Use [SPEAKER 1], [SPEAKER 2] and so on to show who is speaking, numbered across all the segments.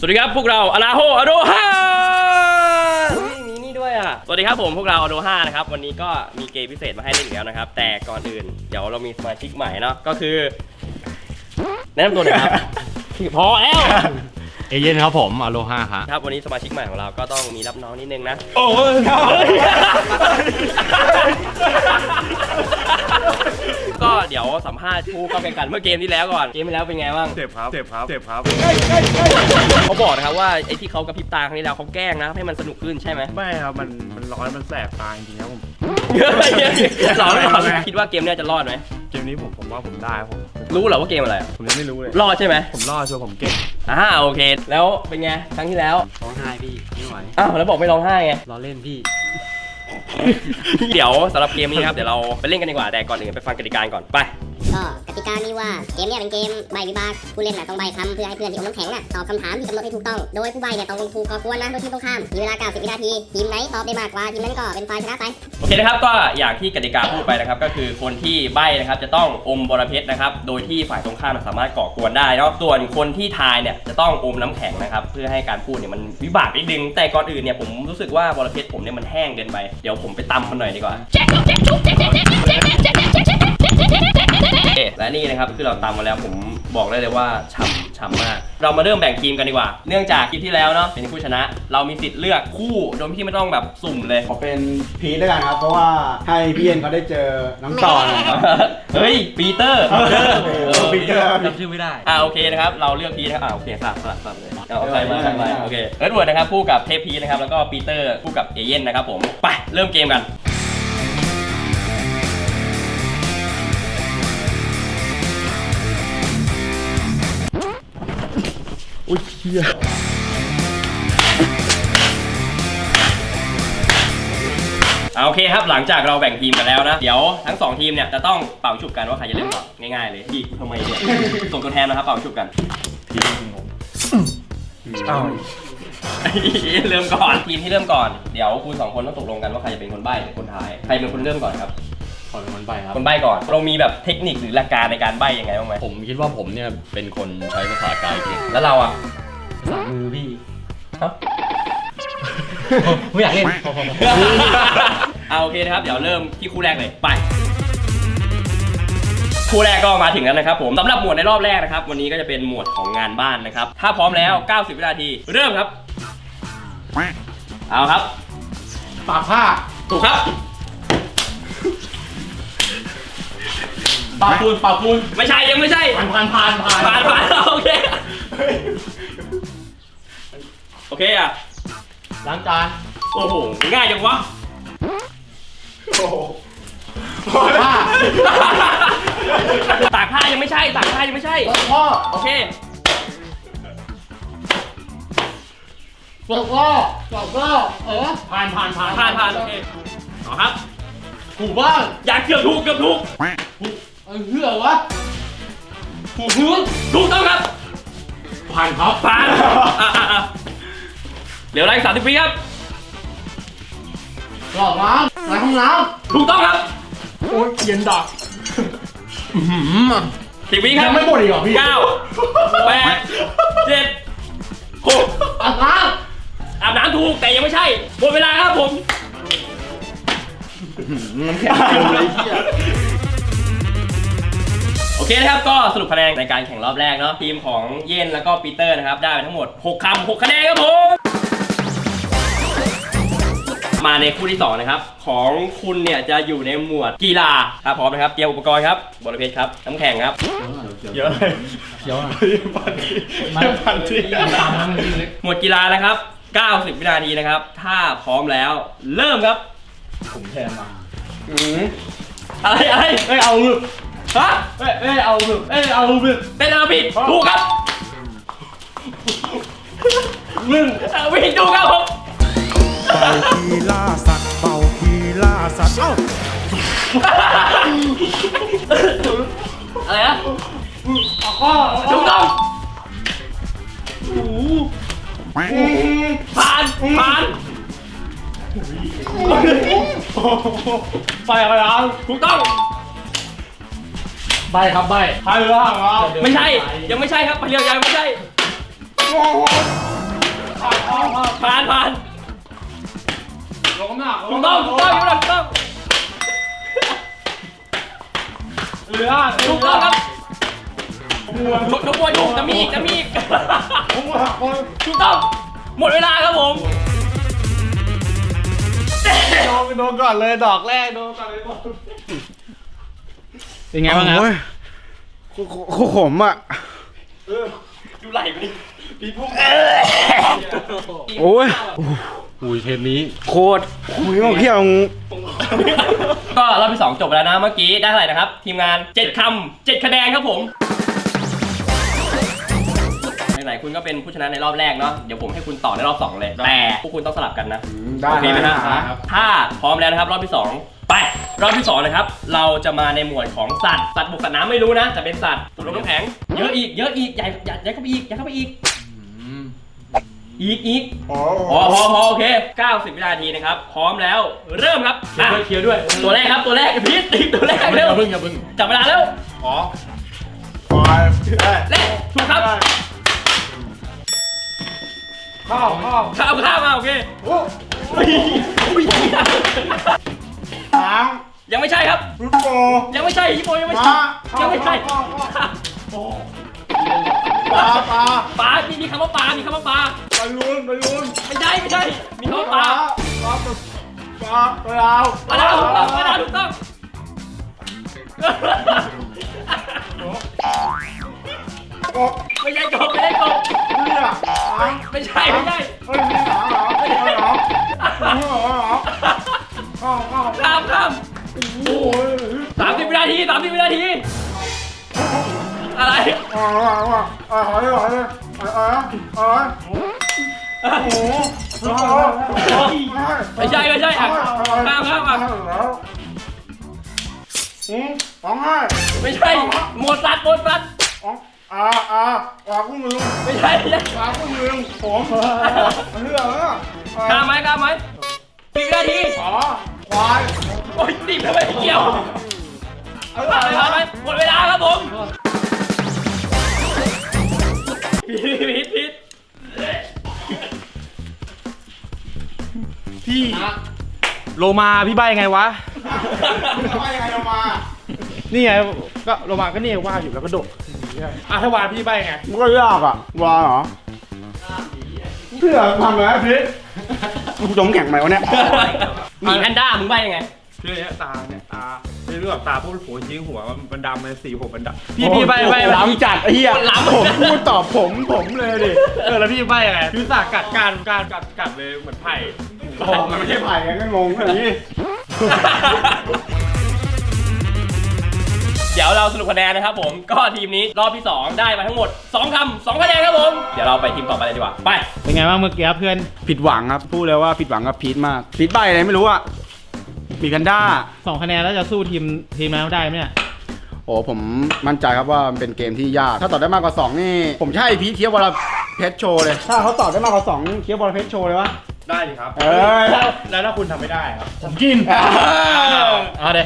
[SPEAKER 1] สวัสดีครับพวกเราอนาโฮอโดฮามีนี่ด้วยอ่ะสวัสดีครับผมพวกเราอโดฮานะครับวันนี้ก็มีเกมพิเศษมาให้เล่นอีกแล้วนะครับแต่ก่อนอื่นเดี๋ยวเรามีสมาชิกใหม่เนาะก็คือแนะนำตัวหน่อยครับ พอแล้ว
[SPEAKER 2] เอเย่นครับผมอโลฮา
[SPEAKER 1] ครับวันนี้สมาชิกใหม่ของเราก็ต้องมีรับน้องนิดนึงนะ
[SPEAKER 2] โอ้ย
[SPEAKER 1] ก็เดี๋ยวสัมภาษณ์ผู้เข้าแข่งขันเมื่อเกมที่แล้วก่อนเกมที่แล้วเป็นไงบ้าง
[SPEAKER 2] เจ็บครับ
[SPEAKER 1] เขาบอกนะครับว่าไอ้ที่เขากระพริบตาครั้งที่แล้วเขาแกล้งนะให้มันสนุกขึ้นใช่ไหม
[SPEAKER 2] ไม่ครับมันร้อนมันแสบตาจริงๆครับผม
[SPEAKER 1] ร้อนคิดว่าเกมนี้จะรอดไหม
[SPEAKER 2] เกมนี้ผมว่าผมได้ผม
[SPEAKER 1] รู้เหรอว่าเกมอะไร
[SPEAKER 2] ผมยังไม่รู้เลย
[SPEAKER 1] รอดใช่ไหม
[SPEAKER 2] ผมรอดชัวร์ผมเก่ง
[SPEAKER 1] โอเคแล้วเป็นไงครั้งที่แล้ว
[SPEAKER 3] ร้องไห้พี่ไม่ไหว
[SPEAKER 1] แล้วบอกไม่ร้องไห้ไง
[SPEAKER 3] รอเล่นพี่
[SPEAKER 1] เดี๋ยวสำหรับเกมนี้ครับเดี๋ยวเราไปเล่นกันดีกว่าแต่ก่อนอื่นไปฟังกติกาก่อนไป
[SPEAKER 4] ก็กติกามีว่าเกมเนี่ยเป็นเกมใบวิบากผู้เล่นต้องใบคำเพื่อให้เพื่อนที่อมน้ำแข็งตอบคำถามที่กำหนดให้ถูกต้องโดยผู้ใบเนี่ยต้องลงถูกก่อกวนนะโดยที่ต้องข้ามมีเวลา90วินาทีทีมไหนตอบได้มากกว่าทีมนั้นก็เป็นฝ่ายชนะไป
[SPEAKER 1] โอเคนะครับก็อย่างที่กติกาพูดไปนะครับก็คือคนที่ใบนะครับจะต้องอมบรเพชรนะครับโดยที่ฝ่ายตรงข้ามสามารถก่อกวนได้เนาะส่วนคนที่ทายเนี่ยจะต้องอมน้ำแข็งนะครับเพื่อให้การพูดเนี่ยมันวิบากนิดนึงแต่ก่อนอื่นเนี่ยผมรู้สึกว่าบรเพชรผมเนี่ยมันแห้งเกินไปเดี๋ยวผมไปตำมันหน่อยดีกว่าและนี่นะครับคือเราตามมาแล้วผมบอกได้เลยว่าฉ่ำมากเรามาเริ่มแบ่งทีมกันดีกว่าเนื่องจากคลิปที่แล้วเนาะเป็นผู้ชนะเรามีสิทธิ์เลือกคู่โดยที่ไม่ต้องแบบสุ่มเลย
[SPEAKER 5] ขอเป็นพีทด้วยกันครับเพราะว่าให้พี่เย็นเขาได้เจอน้องต่อนะครับ
[SPEAKER 1] เฮ้ยปีเตอร์
[SPEAKER 5] ปีเตอร์
[SPEAKER 3] จำชื่อไม่ได้
[SPEAKER 1] โอเคนะครับเราเลือกพีทนะครับโอเคสลับเลยเอาใครมาโอเคเอิร์ธเวิร์ดนะครับคู่กับเทพพีทนะครับแล้วก็ปีเตอร์คู่กับเอเย่นนะครับผมไปเริ่มเกมกัน
[SPEAKER 5] อุ้ยเชี่ย
[SPEAKER 1] โอเคครับหลังจากเราแบ่งทีมกันแล้วนะเดี๋ยวทั้ง2ทีมเนี่ยจะต้องเป่าฉุบกันว่าใครจะเริ่มก่อนง่ายๆเลยพี่ทำไมเนี่ยส่งตัวแทนนะครับเป่าฉุบกัน
[SPEAKER 5] ทีม
[SPEAKER 1] เริ่มก่อนทีมที่เริ่มก่อนเดี๋ยวคุณ2คนต้องตกลงกันว่าใครจะเป็นคนใบ้หรือคนทายใครเป็นคนเริ่มก่อนครับ
[SPEAKER 3] ขอเป็นคนใบ้ครับ
[SPEAKER 1] คนใบ้ก่อนเรามีแบบเทคนิคหรือหลักการในการใบ้ยังไงบ้างไหม
[SPEAKER 2] ผมคิดว่าผมเนี่ยเป็นคนใช้ภาษากายเก่ง
[SPEAKER 1] แล้วเราอ่ะ
[SPEAKER 3] ภาษามือพี่
[SPEAKER 1] ฮะ
[SPEAKER 3] ไม่อยากเล่น
[SPEAKER 1] โอเคนะครับเดี๋ยวเริ่มที่คู่แรกเลยไปคู่แรกก็มาถึงแล้วนะครับผมสำหรับหมวดในรอบแรกนะครับวันนี้ก็จะเป็นหมวดของงานบ้านนะครับถ้าพร้อมแล้ว90วินาทีเริ่มครับเอาครับ
[SPEAKER 5] ตากผ้า
[SPEAKER 1] ถูกครับ
[SPEAKER 5] ปากปูน
[SPEAKER 1] ไม่ใช่ยังไม่ใช่
[SPEAKER 5] ผ่าน
[SPEAKER 1] โอเคอ่ะ
[SPEAKER 5] ล้างจาน
[SPEAKER 1] โอ้โหง่ายจังวะตากผ้ายังไม่ใช่
[SPEAKER 5] พ่อ
[SPEAKER 1] โอเค
[SPEAKER 5] ตกล้อผ่าน
[SPEAKER 1] โอเคเอาครับ
[SPEAKER 5] ถูกบ้าง
[SPEAKER 1] อยากเกือบถูก
[SPEAKER 5] เหื่อวะ
[SPEAKER 1] ถูกต้องครับ
[SPEAKER 5] ผ่าน
[SPEAKER 1] เหลืออะไร30วิครับ
[SPEAKER 5] หลอกน้ำล้างห้องน้
[SPEAKER 1] ำถูกต้องครับ
[SPEAKER 5] โอ้ยเย็นดัก
[SPEAKER 1] 10 วิครับ
[SPEAKER 5] ยังไม่หมดอีกเหรอพี่
[SPEAKER 1] 9 8 7 6อาบน้ำถูกแต่ยังไม่ใช่หมดเวลาครับผม
[SPEAKER 5] น้ำแข็งเลยเหี้ย
[SPEAKER 1] โอเคนะครับก็สรุปคะแนนในการแข่งรอบแรกเนาะทีมของเย็นแล้วก็ปีเตอร์นะครับได้ไปทั้งหมด6 คะแนนครับผมมาในคู่ที่2นะครับของคุณเนี่ยจะอยู่ในหมวดกีฬาครับพร้อมนะครับเตรียมอุปกรณ์ครับบอลเพชรครับน้ำแข็งครับ
[SPEAKER 5] เยอะเลยพันที
[SPEAKER 1] หมวดกีฬานะครับ90วินาทีนะครับถ้าพร้อมแล้วเริ่มครับ
[SPEAKER 5] ผมแทนมา
[SPEAKER 1] อะไร
[SPEAKER 5] ไม่เอาหรือ
[SPEAKER 1] ฮะ
[SPEAKER 5] ไม่เอาหรือ
[SPEAKER 1] เป็นอะไรผิดถูกครับผิดถูกครับผม
[SPEAKER 6] เป่าคีล่าสัตว์เอ้า
[SPEAKER 1] อะไรนะถูกต้องผ่าน
[SPEAKER 5] ไปอะไรอ่ะ
[SPEAKER 1] ถูกต้อง
[SPEAKER 5] ใบครับใบพายเรือครับ
[SPEAKER 1] ไม่ใช่ยังไม่ใช่ครับพายเรือยังไม่ใช่ผ่าน
[SPEAKER 2] ลงน้ำหนัก
[SPEAKER 1] ถูกต้องถูกต้องถูกต้อง
[SPEAKER 2] เรือ
[SPEAKER 1] ถูกต้องครับยกมวยถูกจะมีอีกถูกต้องหมดเวลาครับผม
[SPEAKER 2] โดนก่อนเลยดอกแรกโดนก่อนเลยเป็นไงบ้างครับ
[SPEAKER 5] ผมอ่ะ
[SPEAKER 1] ดูไหลไปดิปีพุ่ง
[SPEAKER 5] โอ้ย
[SPEAKER 2] อุ้ยเทปนี้
[SPEAKER 5] โคตรเที่ยว
[SPEAKER 1] ก็รอบที่ 2 จบแล้วนะเมื่อกี้ได้เท่าไหร่นะครับ ทีมงาน 7 คำ 7 คะแนนครับผมไหนๆคุณก็เป็นผู้ชนะในรอบแรกเนาะเดี๋ยวผมให้คุณต่อในรอบ 2 เลย แต่พวกคุณต้องสลับกันนะ
[SPEAKER 5] ได้
[SPEAKER 1] โอเคไหม
[SPEAKER 5] ได้
[SPEAKER 1] นะครับ ถ้าพร้อมแล้วนะครับ รอบที่ 2 ไปรอบที่ 2 นะครับ เราจะมาในหมวดของสัตว์บกสัตว์น้ำไม่รู้นะแต่เป็นสัตว์ตัวลมน้ำแข็งเยอะอีกใหญ่เข้าไปอีกอีกพอโอเค90 วินาทีนะครับพร้อมแล้วเริ่มครับ
[SPEAKER 2] เคลียร์ด้วย
[SPEAKER 1] ตัวแรกครับตัวแรกพีทตัวแรกเร็ว
[SPEAKER 2] อย่าเพิ่ง
[SPEAKER 1] จับเวลาแล้ว
[SPEAKER 2] อ๋อ
[SPEAKER 1] เล่นถูกครับ
[SPEAKER 2] ข้าว
[SPEAKER 1] ข้ามมาโอเค
[SPEAKER 5] ช้าง
[SPEAKER 1] ยังไม่ใช่ครับ
[SPEAKER 5] รุดโก
[SPEAKER 1] ยังไม่ใช่ฮิปโปยังไม่ใช่ยังไม่ใช่
[SPEAKER 5] ปลา
[SPEAKER 1] ปลามีคำว่าปลามีคำว่าปลา
[SPEAKER 5] บอลลูน
[SPEAKER 1] ไม่ใช่มีคำว่าปลา
[SPEAKER 5] ปลา
[SPEAKER 1] ปลาถูกต้องไม่ใช่กบ
[SPEAKER 5] เรือ
[SPEAKER 1] ไม่ใช่
[SPEAKER 5] เฮ้ยมีหางเหรอมีหางเหรอ
[SPEAKER 1] ข้าม
[SPEAKER 5] โอ้ย
[SPEAKER 1] 30 วินาทีอะไร ไม่ใช่อ่ะข้ามไม่ใช่หมดสัตว์ไม่ใช่ ข้ามไหม10 วินาทีโอ้ยติดทำไมเกี่ยวผ่านไหมหมดเวลาครับผมผิด
[SPEAKER 2] พี่โลมาพี่ใบไงวะ นี่ไงก็โลมาก็นี่ว่าอยู่แล้วก็โดดถ้าวานพี่ใบไง
[SPEAKER 5] มันก็ยากอ่ะวาเหรอเพื่อทำอะไรพี่กูจมแข่งไหมวะเนี่ย
[SPEAKER 1] หมีแพนด้ามึงใบยังไง
[SPEAKER 2] คือเนี้ยตาเรื่องแบบตาพวกหัวจริงหัวมันดำเลยสีผมมันดำพี่ใบ
[SPEAKER 5] ล้ำจัดไอ้เหี้ยผมพูดตอบผมเลยดิ
[SPEAKER 2] แล้วพี่ใบไงคือสากกัดกัดเลยเหมือนไผ่
[SPEAKER 5] มันไม่ใช่ไผ่กันก็งงอย่างนี้
[SPEAKER 1] เดี๋ยวเราสรุปคะแนนนะครับผมก็ทีมนี้รอบที่ 2 ได้มาทั้งหมด2 คำ 2 คะแนนครับผมเดี๋ยวเราไปทีมต่อไปเลยดีกว่าไป
[SPEAKER 3] เป็นไงบ้างเมื่อกี้เพื่อน
[SPEAKER 5] ผิดหวังครับพูดเลยว่าผิดหวังกับพีทมากพีทใบอะไรไม่รู้อ่ะมีแพนด้า
[SPEAKER 3] 2 คะแนนแล้วจะสู้ทีมนั้นได้ไหมเนี่ย
[SPEAKER 5] โอ้ผมมั่นใจครับว่ามันเป็นเกมที่ยากถ้าตอบได้มากกว่า2นี่ผมใช่พีทเคี้ยววอลเพชรโชว์เลยถ้าเขาตอบได้มากกว่า2เคี้ยววอลเพชรโชว์เลยวะ
[SPEAKER 2] ได้ดิครับ
[SPEAKER 5] แล้ว
[SPEAKER 2] ถ้าคุณทำไม่ได้ครับผมกิน
[SPEAKER 3] เอาเด้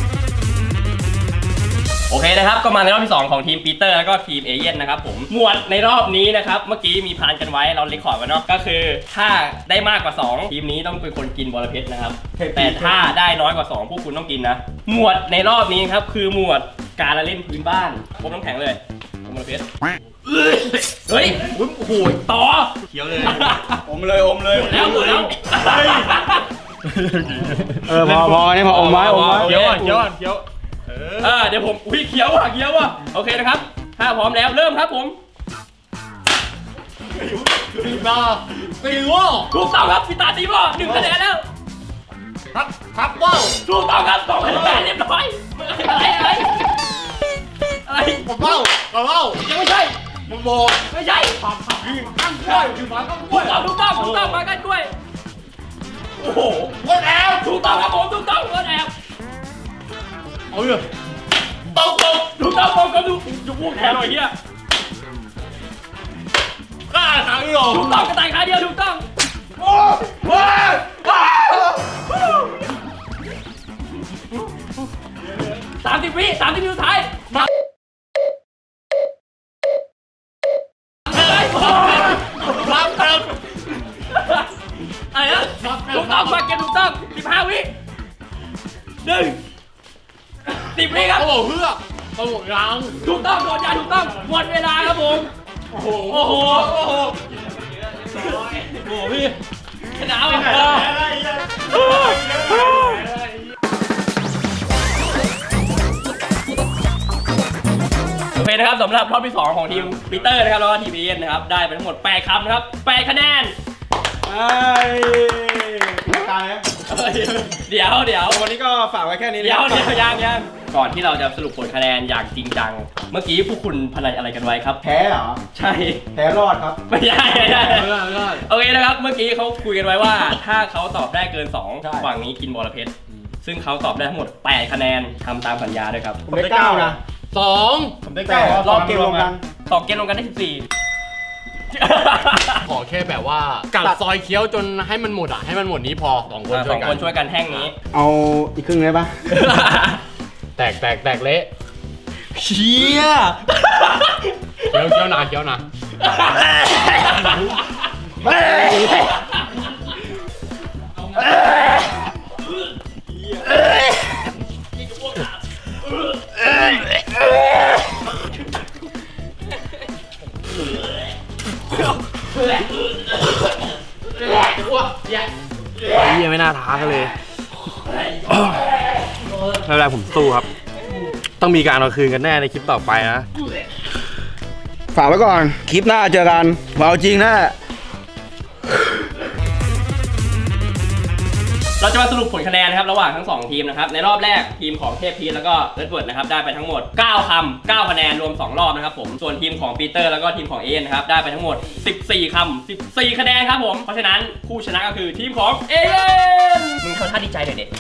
[SPEAKER 1] โอเคนะครับก็มาในรอบที่ 2 ของทีมปีเตอร์แล้วก็ทีมเอเย่นนะครับผมหมวดในรอบนี้นะครับเมื่อกี้มีพานกันไว้เราเรคคอร์ดไว้เนาะก็คือถ้าได้มากกว่า 2 ทีมนี้ต้องเป็นคนกินบอระเพ็ดนะครับแต่ถ้าได้น้อยกว่า 2 พวกคุณต้องกินนะหมวดในรอบนี้ครับคือหมวดการละเล่นพื้นบ้านพวกน้ำแข็งเลยบอระเพ็ดเฮ้ยโอ้โหต่อ
[SPEAKER 2] เคี้ยวเลย
[SPEAKER 5] อมเลย
[SPEAKER 1] หมดแล้ว
[SPEAKER 5] พอนี่พออมไว้
[SPEAKER 2] เคี้ยวก่อนเคี้ยว
[SPEAKER 1] เดี๋ยวผมเขียวว่ะโอเคนะครับถ้าพร้อมแล้วเริ่มครับผมตีว่าถูกต้องครับพี่ตาตีว่า1 คะแนนแล้วครับว้าวถูกต้องครับ2 คะแนนเรียบร้อยอะไรผมว้าวยังไม่ใช่ผมบอกไม่ใช่ข้างกล้วยคือหมาข้างกล้วยถูกต้องหมาข้างกล้วยโอ้โหก้นแอบถูกต้องครับผมถูกต้องก้นแอบเอาเลยตรงถูกต้องดูพวกแทนหน่อยเฮียข้าทางนี้หรอถูกต้องกระต่ายขาเดียวถูกต้องโอ้ว้าว30 วิสุดท้ายมาต้องมาเกมถูกต้อง15 วิ10 วิครับ
[SPEAKER 3] โอ้เพื่อโอ้ยัง
[SPEAKER 1] ถูกต้องโดนยาถูกต้องหมดเวลาครับผม โอ้โหโอ้โหพี่ชนะว่ะโอเคนะครับสำหรับรอบที่ 2 ของทีมปีเตอร์นะครับแล้วก็ทีมเอ็นนะครับได้ไปทั้งหมด8 คำนะครับ8 คะแนนเดี๋ยว
[SPEAKER 5] วันนี้ก็ฝากไว้แค่นี้
[SPEAKER 1] เดี๋ยวยังก่อนที่เราจะสรุปผลคะแนนอย่างจริงจังเมื่อกี้พวกคุณพนันอะไรกันไว้ครับ
[SPEAKER 5] แพ้เหรอ
[SPEAKER 1] ใช่
[SPEAKER 5] แพ้รอดครับ
[SPEAKER 1] ไม่ได้โอเคนะครับเมื่อกี้เขาคุยกันไว้ว่า ถ้าเขาตอบได้เกิน
[SPEAKER 5] ใช่
[SPEAKER 1] 2ฝั่งนี้กินบอระเพ็ดซึ่งเขาตอบได้ทั้งหมด8 คะแนนทำตามสัญญาด้วยครับ
[SPEAKER 5] ผมได้9นะ
[SPEAKER 3] 2
[SPEAKER 2] ผมได้
[SPEAKER 5] แต่
[SPEAKER 2] 9
[SPEAKER 5] รอบเกมรวมกัน
[SPEAKER 1] ตอบเกมลงกันได้14
[SPEAKER 7] ขอแค่แบบว่ากัดซอยเคี้ยวจนให้มันหมดให้มันหมดนี้พอ2 คน
[SPEAKER 1] ส
[SPEAKER 7] ช่
[SPEAKER 1] อ
[SPEAKER 7] วย
[SPEAKER 1] ง
[SPEAKER 7] กั
[SPEAKER 1] คน นช่วยกันแท่งนี้
[SPEAKER 5] เอาอีกครึ่งได้ปะ
[SPEAKER 7] แตกเละ
[SPEAKER 1] เชี่ย
[SPEAKER 7] เคี้ยวหนา
[SPEAKER 2] เยี่ยไม่น่าท้ากันเลยไม่เป็นไรผมสู้ครับ ต้องมีการเอาคืนกันแน่ในคลิปต่อไปนะ
[SPEAKER 5] ฝากไว้ก่อน คลิปหน้าเจอกันเอาจริงนะ
[SPEAKER 1] เราจะมาสรุปผลคะแนนนะครับระหว่างทั้ง 2 ทีมนะครับในรอบแรกทีมของเทพพีชแล้วก็เรดเวิร์ดนะครับได้ไปทั้งหมด9 คำ 9 คะแนนรวม 2 รอบนะครับผมส่วนทีมของปีเตอร์แล้วก็ทีมของเอ็นนะครับได้ไปทั้งหมด14 คำ 14 คะแนนครับผมเพราะฉะนั้นผู้ชนะก็คือทีมของเอ็นมึงทำท่าดีใจหน่อยเด็ด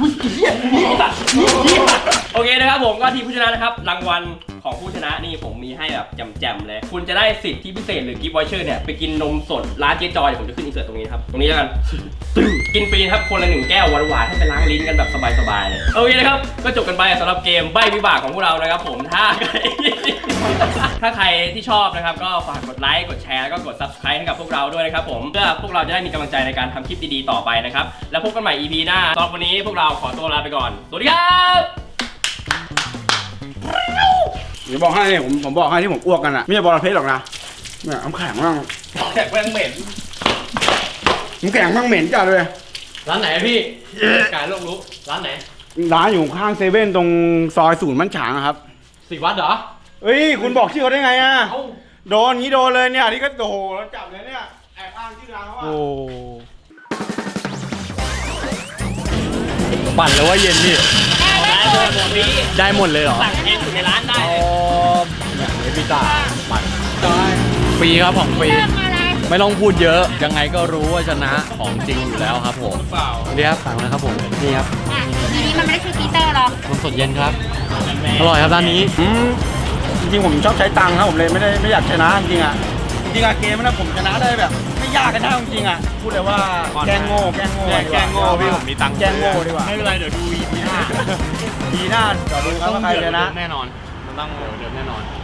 [SPEAKER 1] โอเคนะครับผมก็ทีมผู้ชนะนะครับรางวัลของผู้ชนะนี่ผมมีให้แบบแจ่มๆเลยคุณจะได้สิทธิพิเศษหรือกิฟต์วอเชอร์เนี่ยไปกินนมสดร้านเจ๊จอยเดี๋ยวผมจะขึ้นอินเสิร์ตตรงนี้นะครับตรงนี้แล้วกัน กินฟรีครับคนละ1 แก้วหวานๆให้ไปล้างลิ้นกันแบบสบายๆเลยโอเคนะครับก็จบกันไปสำหรับเกมใบ้วิบากของพวกเรานะครับผมถ้าใครที่ชอบนะครับก็ฝากกดไลค์กดแชร์แล้วก็กด Subscribe ให้กับพวกเราด้วยนะครับผมเพื่อพวกเราจะได้มีกำลังใจในการทำคลิปดีๆต่อไปนะครับแล้วพบกันใหม่ EP หน้าสำหรับวันนี้พวกเราขอตัวลาไปก่อนสวัสดีครับ
[SPEAKER 5] เดี๋ยวบอกให้ผมบอกให้ที่ผมอ้วกกันอะไม่ใช่บอระเพ็ดหรอกนะเนี่ยน้ำแข็งมั่ง
[SPEAKER 1] แขกแม่งเหม็น
[SPEAKER 5] น้ำแข็งมั่งเหม็นจัดเลย
[SPEAKER 7] ร้านไหนพี่กายโลกรู้ร้านไหน
[SPEAKER 5] ร้านอยู่ข้างเซเว่นตรงซอยศูนย์มั่นฉางอะครับ
[SPEAKER 7] สิวัดเหรอ
[SPEAKER 5] เฮ้ยคุณบอกชื่อเขาได้ไงอะ
[SPEAKER 7] เอ้า
[SPEAKER 5] โดนงี้โดนเลยเนี่ยนี่ก็โอ้โหแล้วจับเลยเนี่ยแอบอ้างชื่อร้านเขาอะ
[SPEAKER 7] ปั่นแล้วว่าเย็นพี่ได้หมดเลยเหรอ
[SPEAKER 1] สั่งเองอยู่ในร้านได้เลย
[SPEAKER 7] เอพิต้าปั่นฟรีครับของฟรีไม่ต้องพูดเยอะยังไงก็รู้ว่าชนะของจริงอยู่แล้วครับผมสวัสดีครับสั่งนะครับผมนี่ครับ
[SPEAKER 8] อันนี้มันไม่ได้คือปีเตอร์หรอก
[SPEAKER 7] นมสดเย็นครับอร่อยครับร้านนี้
[SPEAKER 5] จริงๆผมชอบใช้ตังค์ครับผมเลยไม่อยากชนะจริงๆอะจริงๆอะเกมนั้นผมชนะได้แบบ ไม่ยากกันนะจริงๆอะพูดเลยว่าแกล้งโง่พี่ผมมีตังค์แกล้งโง่ดีกว่า
[SPEAKER 7] ไม่เป็นไรเดี๋ยวดู EP หน้า
[SPEAKER 5] ดีหน้าเดี๋ยวดูครับว่าใครชนะ
[SPEAKER 7] แน่นอนมันต้องเดี๋ยวแน่นอน